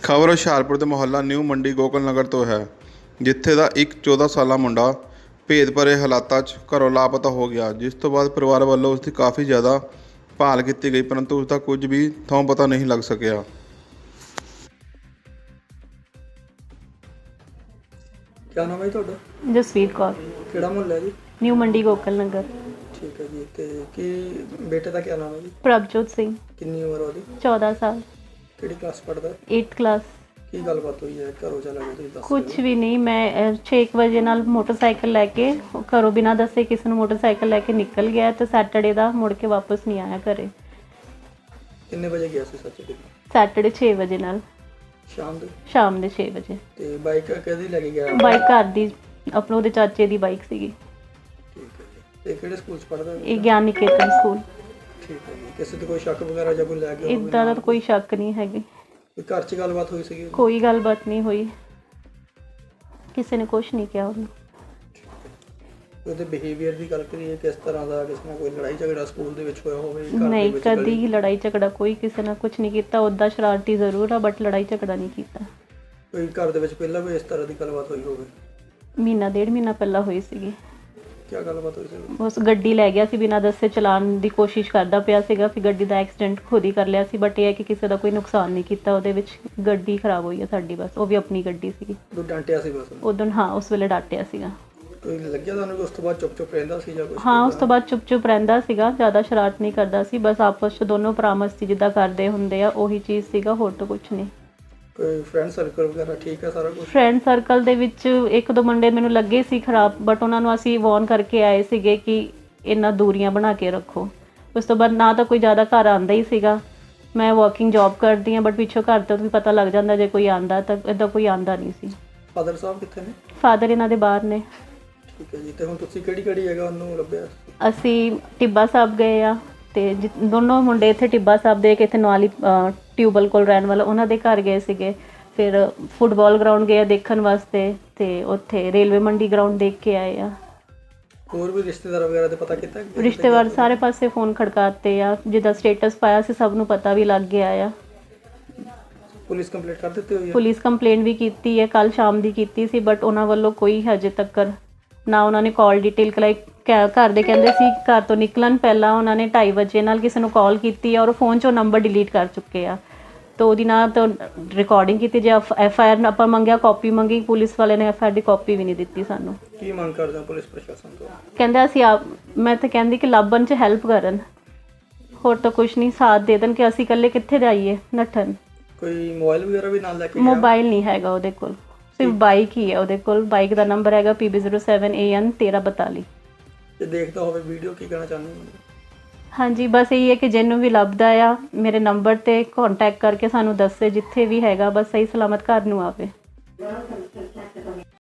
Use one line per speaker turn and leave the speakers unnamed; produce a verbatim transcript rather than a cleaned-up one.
ਖਬਰ ਹੁਸ਼ਿਆਰਪੁਰ ਦੇ ਮੁਹੱਲਾ ਨਿਊ ਮੰਡੀ ਗੋਕਲ ਨਗਰ ਤੋਂ ਹੈ, ਜਿੱਥੇ ਦਾ ਇੱਕ ਚੌਦਾਂ ਸਾਲਾ ਮੁੰਡਾ ਭੇਦ ਭਰੇ ਹਾਲਾਤਾਂ 'ਚ ਘਰੋਂ ਲਾਪਤਾ ਹੋ ਗਿਆ, ਜਿਸ ਤੋਂ ਬਾਅਦ ਪਰਿਵਾਰ ਵੱਲੋਂ ਉਸ ਦੀ ਕਾਫੀ ਜ਼ਿਆਦਾ ਭਾਲ ਕੀਤੀ ਗਈ, ਪਰੰਤੂ ਉਸ ਦਾ ਕੁਝ ਵੀ ਥਾਂ ਪਤਾ ਨਹੀਂ ਲੱਗ ਸਕਿਆ।
क्या नाम है ਤੁਹਾਡਾ?
ਜਸਵੀਰ ਕੌਰ,
ਕਿਹੜਾ ਮੁਹੱਲਾ ਹੈ ਜੀ?
ਨਿਊ ਮੰਡੀ ਗੋਕਲ ਨਗਰ।
ਠੀਕ ਹੈ ਜੀ। ਤੇ ਕੀ ਬੇਟੇ ਦਾ ਕੀ ਨਾਮ ਹੈ ਜੀ?
ਪ੍ਰਭਜੋਤ ਸਿੰਘ,
ਕਿੰਨੀ ਉਮਰ ਉਹਦੀ?
ਚੌਦਾਂ ਸਾਲ,
ਕਿਹੜੀ ਕਲਾਸ ਪੜ੍ਹਦਾ ਹੈ?
ਅੱਠਵੀਂ ਕਲਾਸ।
ਕੀ ਗੱਲਬਾਤ ਹੋਈ ਹੈ? ਘਰੋਂ ਚਲਾ ਗਿਆ ਤੁਸੀਂ ਦੱਸ
ਕੁਝ ਵੀ ਨਹੀਂ, ਮੈਂ ਛੇ ਕੁ ਵਜੇ ਨਾਲ ਮੋਟਰਸਾਈਕਲ ਲੈ ਕੇ ਘਰੋਂ ਬਿਨਾਂ ਦੱਸੇ ਕਿਸੇ ਨੂੰ ਮੋਟਰਸਾਈਕਲ ਲੈ ਕੇ ਨਿਕਲ ਗਿਆ ਤੇ ਸੈਟਰਡੇ ਦਾ ਮੁੜ ਕੇ ਵਾਪਸ ਨਹੀਂ ਆਇਆ ਘਰੇ।
ਕਿੰਨੇ ਵਜੇ ਗਿਆ ਸੀ ਸੱਚੇ?
ਸੈਟਰਡੇ ਛੇ ਵਜੇ ਨਾਲ,
ਸ਼ਾਮ ਦੇ
ਸ਼ਾਮ ਦੇ ਛੇ ਵਜੇ।
ਤੇ ਬਾਈਕ ਕਦੀ ਲੈ ਕੇ ਗਿਆ?
ਬਾਈਕ ਘਰ ਦੀ, ਆਪਣੇ ਉਹਦੇ ਚਾਚੇ ਦੀ ਬਾਈਕ ਸੀਗੀ।
ਠੀਕ ਹੈ ਜੀ। ਤੇ ਕਿਹੜੇ ਸਕੂਲ 'ਚ ਪੜ੍ਹਦਾ?
ਇਹ ਗਿਆਨ ਨਿਕੇਤਨ ਸਕੂਲ।
ਠੀਕ ਹੈ ਜੀ। ਕਿਸੇ ਤੇ ਕੋਈ ਸ਼ੱਕ ਵਗੈਰਾ ਜਾਂ ਕੋਈ ਲੈ ਕੇ
ਇੱਦਾਂ ਦਾ ਤਾਂ ਕੋਈ ਸ਼ੱਕ ਨਹੀਂ ਹੈਗੀ,
ਕੋਈ ਘਰ 'ਚ ਗੱਲਬਾਤ ਹੋਈ ਸੀਗੀ?
ਕੋਈ ਗੱਲਬਾਤ ਨਹੀਂ ਹੋਈ, ਕਿਸੇ ਨੇ ਕੁਛ ਨਹੀਂ ਕਿਹਾ ਉਹਨੂੰ।
ਉਹਦੇ ਬਿਹੇਵੀਅਰ ਦੀ ਗੱਲ ਕਰੀਏ, ਕਿਸ ਤਰ੍ਹਾਂ ਦਾ? ਕਿਸੇ ਨਾਲ ਕੋਈ ਲੜਾਈ ਝਗੜਾ ਸਕੂਲ ਦੇ ਵਿੱਚ ਹੋਇਆ ਹੋਵੇ? ਘਰ ਦੇ
ਨਹੀਂ,
ਵਿੱਚ
ਕਦੀ
ਗਲੀ-
ਲੜਾਈ ਝਗੜਾ ਕੋਈ ਕਿਸੇ ਨਾਲ ਕੁਝ ਨਹੀਂ ਕੀਤਾ। ਉੱਦਾਂ ਸ਼ਰਾਰਤੀ ਜ਼ਰੂਰ ਆ, ਬਟ ਲੜਾਈ ਝਗੜਾ ਨਹੀਂ ਕੀਤਾ।
ਕੋਈ ਘਰ ਦੇ ਵਿੱਚ ਪਹਿਲਾਂ ਵੀ ਇਸ ਤਰ੍ਹਾਂ ਦੀ ਗੱਲਬਾਤ ਹੋਈ ਹੋਵੇ?
ਮਹੀਨਾ ਡੇਢ ਮਹੀਨਾ ਪਹਿਲਾਂ ਹੋਈ ਸੀਗੀ।
ਕੀ ਗੱਲਬਾਤ ਹੋਈ ਸੀ?
ਉਸ ਗੱਡੀ ਲੈ ਗਿਆ ਸੀ, ਬਿਨਾਂ ਦੱਸੇ ਚਲਾਉਣ ਦੀ ਕੋਸ਼ਿਸ਼ ਕਰਦਾ ਪਿਆ ਸੀਗਾ, ਫਿਰ ਗੱਡੀ ਦਾ ਐਕਸੀਡੈਂਟ ਖੁਦ ਹੀ ਕਰ ਲਿਆ ਸੀ। ਬਟ ਇਹ ਹੈ ਕਿ ਕਿਸੇ ਦਾ ਕੋਈ ਨੁਕਸਾਨ ਨਹੀਂ ਕੀਤਾ ਉਹਦੇ ਵਿੱਚ। ਗੱਡੀ ਖਰਾਬ ਹੋਈ ਹੈ ਸਾਡੀ, ਬਸ। ਉਹ ਵੀ ਆਪਣੀ ਗੱਡੀ ਸੀਗੀ।
ਉਹ ਡਾਂਟਿਆ ਸੀ ਬਸ?
ਉਦੋਂ ਹਾਂ, ਉਸ ਵੇਲੇ ਡਾਂਟਿਆ ਸੀਗਾ।
ਕੋਈ ਲੱਗਿਆ ਤੁਹਾਨੂੰ ਕਿ ਉਸ ਤੋਂ ਬਾਅਦ ਚੁੱਪ ਚੁੱਪ ਰਹਿੰਦਾ ਸੀ ਜਾਂ ਕੁਝ?
ਹਾਂ, ਉਸ ਤੋਂ ਬਾਅਦ ਚੁੱਪ ਚੁੱਪ ਰਹਿੰਦਾ ਸੀਗਾ, ਜ਼ਿਆਦਾ ਸ਼ਰਾਰਤ ਨਹੀਂ ਕਰਦਾ ਸੀ। ਬਸ ਆਪਸ 'ਚ ਦੋਨੋਂ ਭਰਾ ਮਸਤੀ ਜਿੱਦਾਂ ਕਰਦੇ ਹੁੰਦੇ ਆ, ਉਹੀ ਚੀਜ਼ ਸੀਗਾ, ਹੋਰ ਤਾਂ ਕੁਝ ਨਹੀਂ।
ਕੋਈ ਫਰੈਂਡ ਸਰਕਲ ਵਗੈਰਾ ਠੀਕ ਹੈ ਸਾਰਾ ਕੁਝ?
ਫਰੈਂਡ ਸਰਕਲ ਦੇ ਵਿੱਚ ਇੱਕ ਦੋ ਮੁੰਡੇ ਮੈਨੂੰ ਲੱਗੇ ਸੀ ਖਰਾਬ, ਬਟ ਉਹਨਾਂ ਨੂੰ ਅਸੀਂ ਵਾਰਨ ਕਰਕੇ ਆਏ ਸੀਗੇ ਕਿ ਇਹਨਾਂ ਦੂਰੀਆਂ ਬਣਾ ਕੇ ਰੱਖੋ। ਉਸ ਤੋਂ ਬਾਅਦ ਨਾ ਤਾਂ ਕੋਈ ਜ਼ਿਆਦਾ ਘਰ ਆਉਂਦਾ ਹੀ ਸੀਗਾ। ਮੈਂ ਵਾਕਿੰਗ ਜੌਬ ਕਰਦੀ ਹਾਂ, ਬਟ ਪਿੱਛੋਂ ਘਰ ਤੋਂ ਵੀ ਪਤਾ ਲੱਗ ਜਾਂਦਾ ਜੇ ਕੋਈ ਆਉਂਦਾ, ਤਾਂ ਇੱਦਾਂ ਕੋਈ ਆਉਂਦਾ ਨਹੀਂ ਸੀ।
ਫਾਦਰ ਸਾਹਿਬ ਕਿੱਥੇ ਨੇ?
ਫਾਦਰ ਇਹਨਾਂ ਦੇ ਬਾਹਰ ਨੇ।
ਠੀਕ ਹੈ ਜੀ। ਤੇ ਹੁਣ ਤੁਸੀਂ ਕਿਹੜੀ ਕਿਹੜੀ ਜਗ੍ਹਾ ਉਹਨੂੰ ਲੱਭਿਆ?
ਅਸੀਂ ਟਿੱਬਾ ਸਾਹਿਬ ਗਏ ਆ, ਤੇ ਜਿ ਦੋਨੋਂ ਮੁੰਡੇ ਇੱਥੇ ਟਿੱਬਾ ਸਾਹਿਬ ਦੇ ਇੱਕ ਇੱਥੇ ਨਵਾਲੀ ਟਿਊਬਲ ਕੋਲ ਰਹਿਣ ਵਾਲਾ, ਉਹਨਾਂ ਦੇ ਘਰ ਗਏ ਸੀਗੇ। ਫਿਰ ਫੁੱਟਬਾਲ ਗਰਾਊਂਡ ਗਏ ਆ ਦੇਖਣ ਵਾਸਤੇ, ਤੇ ਉੱਥੇ ਰੇਲਵੇ ਮੰਡੀ ਗਰਾਊਂਡ ਦੇਖ ਕੇ ਆਏ ਆ।
ਹੋਰ ਵੀ ਰਿਸ਼ਤੇਦਾਰ ਵਗੈਰਾ ਦੇ ਪਤਾ ਕੀਤਾ?
ਰਿਸ਼ਤੇਦਾਰ ਸਾਰੇ ਪਾਸੇ ਫੋਨ ਖੜਕਾਤੇ ਆ, ਜਿੱਦਾਂ ਸਟੇਟਸ ਪਾਇਆ ਸੀ ਸਭ ਨੂੰ ਪਤਾ ਵੀ ਲੱਗ ਗਿਆ ਆ।
ਪੁਲਿਸ ਕੰਪਲੇਂਟ ਕਰ ਦਿੱਤੀ ਹੋਈ ਹੈ?
ਪੁਲਿਸ ਕੰਪਲੇਂਟ ਵੀ ਕੀਤੀ ਹੈ, ਕੱਲ ਸ਼ਾਮ ਦੀ ਕੀਤੀ ਸੀ, ਬਟ ਉਹਨਾਂ ਵੱਲੋਂ ਕੋਈ ਹਜੇ ਤੱਕ ਨਾ ਉਹਨਾਂ ਨੇ ਕਾਲ ਡਿਟੇਲ ਕਲਾਈ। ਘਰ ਦੇ ਕਹਿੰਦੇ ਸੀ ਘਰ ਤੋਂ ਨਿਕਲਣ ਪਹਿਲਾਂ ਉਹਨਾਂ ਨੇ ਢਾਈ ਵਜੇ ਨਾਲ ਕਿਸੇ ਨੂੰ ਕਾਲ ਕੀਤੀ ਹੈ, ਔਰ ਉਹ ਫੋਨ 'ਚੋਂ ਨੰਬਰ ਡਿਲੀਟ ਕਰ ਚੁੱਕੇ ਆ। ਤਾਂ ਉਹਦੀ ਨਾ ਤਾਂ ਰਿਕਾਰਡਿੰਗ ਕੀਤੀ, ਜੇ ਐਫ ਆਈ ਆਰ ਆਪਾਂ ਮੰਗਿਆ, ਕਾਪੀ ਮੰਗੀ, ਪੁਲਿਸ ਵਾਲੇ ਨੇ ਐਫ ਆਈ ਆਰ ਦੀ ਕਾਪੀ ਵੀ ਨਹੀਂ ਦਿੱਤੀ ਸਾਨੂੰ।
ਕੀ ਮੰਗ ਕਰਦੇ ਹੋ ਪੁਲਿਸ ਪ੍ਰਸ਼ਾਸਨ ਤੋਂ?
ਕਹਿੰਦੇ ਅਸੀਂ ਆਪ, ਮੈਂ ਤਾਂ ਕਹਿੰਦੀ ਕਿ ਲੱਭਣ 'ਚ ਹੈਲਪ ਕਰਨ, ਹੋਰ ਤਾਂ ਕੁਛ ਨਹੀਂ, ਸਾਥ ਦੇ ਦੇਣ ਕਿ ਅਸੀਂ ਇਕੱਲੇ ਕਿੱਥੇ ਜਾਈਏ ਨੱਠਣ।
ਕੋਈ ਮੋਬਾਈਲ ਵਗੈਰਾ ਵੀ ਨਾਲ ਲੈ ਕੇ ਗਿਆ?
ਮੋਬਾਈਲ ਨਹੀਂ ਹੈਗਾ ਉਹਦੇ ਕੋਲ, ਸਿਰਫ ਬਾਈਕ ਹੀ ਹੈ ਉਹਦੇ ਕੋਲ। ਬਾਈਕ ਦਾ ਨੰਬਰ ਹੈਗਾ P B zero seven A N ਤੇਰ੍ਹਾਂ ਬਤਾਲੀ।
ਜੇ ਦੇਖਦਾ ਹੋਵੇ ਵੀਡੀਓ, ਕੀ ਕਹਿਣਾ ਚਾਹੁੰਦੇ ਹੋ?
ਹਾਂਜੀ, ਬਸ ਇਹੀ ਹੈ ਕਿ ਜਿਹਨੂੰ ਵੀ ਲੱਭਦਾ ਆ ਮੇਰੇ ਨੰਬਰ 'ਤੇ ਕਾਂਟੈਕਟ ਕਰਕੇ ਸਾਨੂੰ ਦੱਸੇ, ਜਿੱਥੇ ਵੀ ਹੈਗਾ, ਬਸ ਸਹੀ ਸਲਾਮਤ ਘਰ ਨੂੰ ਆਵੇ।